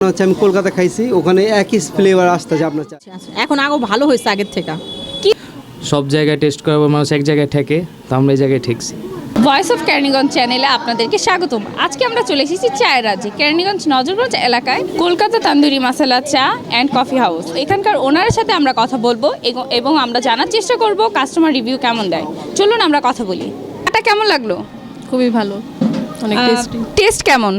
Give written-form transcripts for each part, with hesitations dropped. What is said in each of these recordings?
হচ্ছে আমি কলকাতা খাইছি, ওখানে একই ফ্লেভার আসতেছে আপনার চা। এখন আগেও ভালো হয়েছে আগের থেকে। সব জায়গায় টেস্ট করার মানুষ এক জায়গায় ঠেকে, তো আমরা এই জায়গায় ঠেকছি। ভয়েস অফ কেরানীগঞ্জ চ্যানেলে আপনাদেরকে স্বাগতম। আজকে আমরা চলে এসেছি চায়ের রাজ্যে, কেরানীগঞ্জ নজরগঞ্জ এলাকায় কলকাতা তান্দুরি মাসালা চা অ্যান্ড কফি হাউস। এখানকার ওনারের সাথে আমরা কথা বলবো এবং আমরা জানার চেষ্টা করব কাস্টমার রিভিউ কেমন দেয়। চলুন আমরা কথা বলি। এটা কেমন লাগলো? খুবই ভালো, অনেক টেস্টি। টেস্ট কেমন?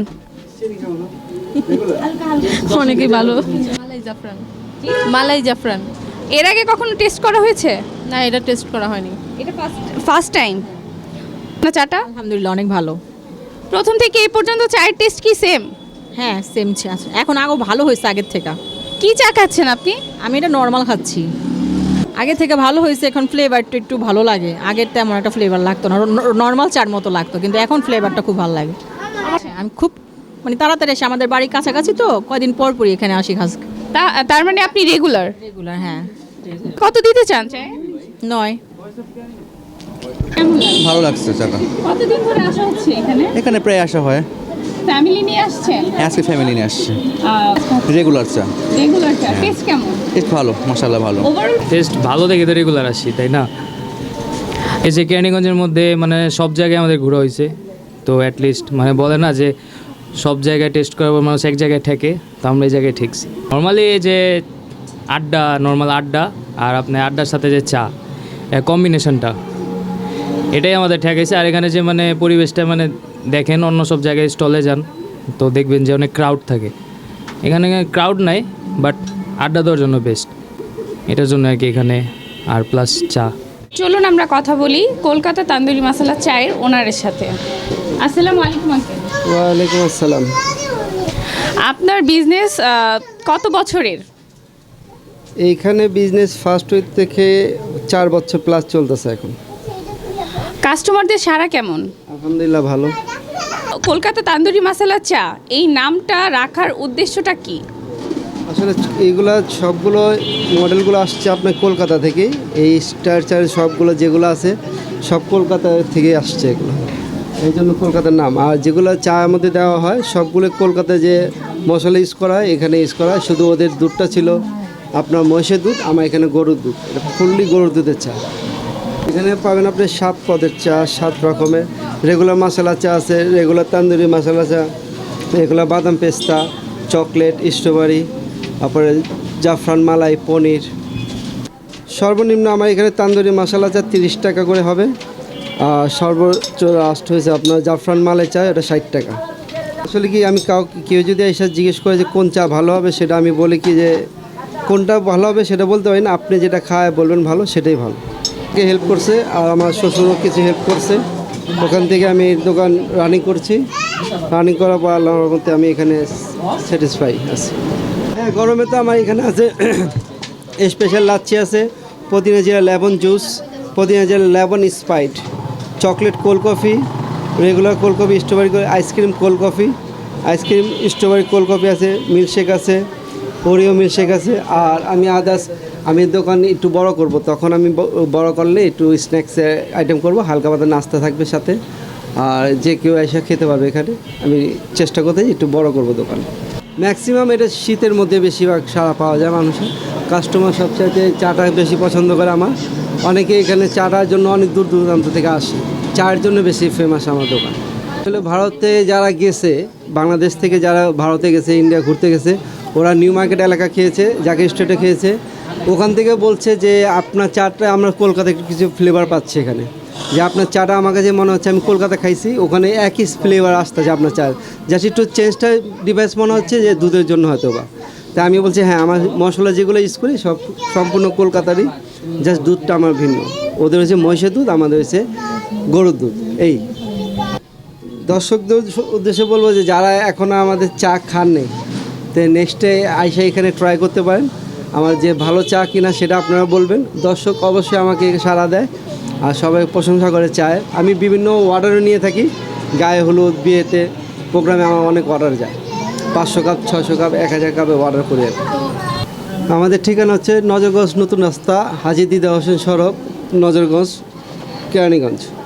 অনেকই ভালো। মালাই জাফরান। এর আগে কখনো টেস্ট করা হয়েছে? না, এটা টেস্ট করা হয়নি। এটা ফার্স্ট টাইম না? চাটা আলহামদুলিল্লাহ অনেক ভালো। প্রথম থেকে এই পর্যন্ত চায়ের টেস্ট কি সেম? হ্যাঁ সেম চা, এখন আগেও ভালো হয়েছে আগের থেকে। কি চা খাচ্ছেন আপনি? আমি এটা নর্মাল খাচ্ছি। আগে থেকে ভালো হয়েছে, এখন ফ্লেভারটা একটু ভালো লাগে। আগের তেমন একটা ফ্লেভার লাগতো না, নর্মাল চার মতো লাগতো, কিন্তু এখন ফ্লেভারটা খুব ভালো লাগে। আমি খুব তাড়াতাড়ি এসে, আমাদের বাড়ির কাছাকাছি তো, কয়দিন পর পরই এখানে আসি খাস। তার মানে আপনি রেগুলার? রেগুলার, হ্যাঁ। কত দিতে চান চায়? 9। ভালো লাগছে চাটা। কতদিন ধরে আসা হচ্ছে এখানে? এখানে প্রায় আসা হয়। ফ্যামিলি নিয়ে আসছেন? আজকে ফ্যামিলি নিয়ে আসছে। রেগুলার চা। রেগুলার চা টেস্ট কেমন? টেস্ট ভালো, মাশাআল্লাহ ভালো। ওভারঅল টেস্ট ভালো দেখে তো রেগুলার আসি, তাই না? এই যে কেরানীগঞ্জের মধ্যে সব জায়গায় আমাদের ঘোরা হয়েছে, তো অ্যাটলিস্ট বলে না যে সব জায়গায় টেস্ট করার পর মানুষ এক জায়গায় ঠেকে, তো আমরা এই জায়গায় ঠেকছি। নর্মালি এই যে নর্মাল আড্ডা আর আপনার আড্ডার সাথে যে চা, কম্বিনেশনটা এটাই আমাদের ঠেকাইছে। আর এখানে যে পরিবেশটা দেখেন, অন্য সব জায়গায় স্টলে যান তো দেখবেন যে অনেক ক্রাউড থাকে, এখানে ক্রাউড নাই, বাট আড্ডা দেওয়ার জন্য বেস্ট, এটার জন্য আর কি এখানে। আর প্লাস চা। চলুন আমরা কথা বলি কলকাতা তান্দুরি মাসালা চায়ের ওনারের সাথে। আসসালামু আলাইকুম আঙ্কেল। ওয়ালাইকুম আসসালাম। আপনার বিজনেস কত বছরের? এইখানে বিজনেস ফার্স্ট উইক থেকে 4 বছর প্লাস চলতেছে এখন। কাস্টমারদের সাড়া কেমন? আলহামদুলিল্লাহ ভালো। কলকাতা তান্দুরি মাসালা চা এই নামটা রাখার উদ্দেশ্যটা কি? আসলে এইগুলা সবগুলো মডেলগুলো আসছে আপনার কলকাতা থেকেই। এই স্ট্রাকচার সবগুলো যেগুলো আছে সব কলকাতা থেকে আসছে এগুলো, এই জন্য কলকাতার নাম। আর যেগুলো চায়ের মধ্যে দেওয়া হয় সবগুলো কলকাতায় যে মশলা ইউজ করা হয় এখানে ইউজ করা হয়। শুধু ওদের দুধটা ছিল আপনার মহিষের দুধ, আমার এখানে গরুর দুধ। এটা ফুললি গরুর দুধের চা। এখানে পাবেন আপনি 7 পদের চা, 7 রকমের। রেগুলার মশলা চা আছে, রেগুলার তান্দুরি মশলা চা, রেগুলার বাদাম পেস্তা, চকলেট, স্ট্রবেরি, তারপরে জাফরান, মালাই, পনির। সর্বনিম্ন আমার এখানে তান্দুরি মশলা চা 30 টাকা করে হবে। আর সর্বোচ্চ লাস্ট হয়েছে আপনার জাফরান মালাই চা, এটা 60 টাকা। আসলে কি আমি কেউ যদি এসে জিজ্ঞেস করে যে কোন চা ভালো হবে, সেটা আমি বলি কি যে কোনটা ভালো হবে সেটা বলতে পারি না, আপনি যেটা খায় বলবেন ভালো সেটাই ভালো। হেল্প করছে, আর আমার শ্বশুরও কিছু হেল্প করছে। ওখান থেকে আমি দোকান রানিং করছি। রানিং করার পর আল্লাহর রহমতে আমি এখানে স্যাটিসফাই আছি। হ্যাঁ, গরমে তো আমার এখানে আছে স্পেশাল লাচ্ছি আছে, পুদিনা জিরা লেমন জুস, পুদিনা জিরা lemon Sprite, chocolate cold coffee, regular cold coffee, strawberry ice cream cold coffee, ice cream strawberry cold coffee আছে, মিল্কশেক আছে, ওরিও মিল্কশেক আছে। আর আমি আমি দোকান একটু বড় করব, তখন আমি বড় করলে একটু স্ন্যাক্সের আইটেম করব, হালকা পাতলা নাস্তা থাকবে সাথে, আর যে কেউ এসে খেতে পারবে এখানে। আমি চেষ্টা করতে একটু বড় করব দোকান। ম্যাক্সিমাম এটা শীতের মধ্যে বেশিরভাগ সাড়া পাওয়া যায় মানুষের। কাস্টমার সবচাইতে চাটা বেশি পছন্দ করে আমার। অনেকে এখানে চাটার জন্য অনেক দূর দূরান্ত থেকে আসে, চায়ের জন্য বেশি ফেমাস আমার দোকান। আসলে ভারতে যারা গেছে, বাংলাদেশ থেকে যারা ভারতে গেছে, ইন্ডিয়া ঘুরতে গেছে, ওরা নিউ মার্কেট এলাকা খেয়েছে, জাকির স্ট্রিটে খেয়েছে। ওখান থেকে বলছে যে আপনার চাটা আমরা কলকাতায় কিছু ফ্লেভার পাচ্ছি এখানে, যে আপনার চাটা আমার কাছে মনে হচ্ছে আমি কলকাতা খাইছি, ওখানে একই ফ্লেভার আসতেছে আপনার চা, জাস্ট একটু চেঞ্জটা ডিভাইস মনে হচ্ছে যে দুধের জন্য হয়তো বা। তাই আমি বলছি হ্যাঁ, আমার মশলা যেগুলো ইউজ করি সব সম্পূর্ণ কলকাতারই, জাস্ট দুধটা আমার ভিন্ন। ওদের হচ্ছে মহিষের দুধ, আমাদের হচ্ছে গরুর দুধ। এই দর্শকদের উদ্দেশ্যে বলবো যে যারা এখনও আমাদের চা খান নেই, তো নেক্সটে আইসা এখানে ট্রাই করতে পারেন। আমার যে ভালো চা কিনা সেটা আপনারা বলবেন। দর্শক অবশ্যই আমাকে সাড়া দেয় আর সবাই প্রশংসা করে চায়। আমি বিভিন্ন অর্ডারও নিয়ে থাকি, গায়ে হলুদ, বিয়েতে, প্রোগ্রামে আমার অনেক অর্ডার যায়। 500 কাপ, 600 কাপ, 1000 কাপে অর্ডার করে। আমাদের ঠিকানা হচ্ছে নজরগঞ্জ নতুন রাস্তা, হাজী দিদা হোসেন সড়ক, নজরগঞ্জ, কেরানীগঞ্জ।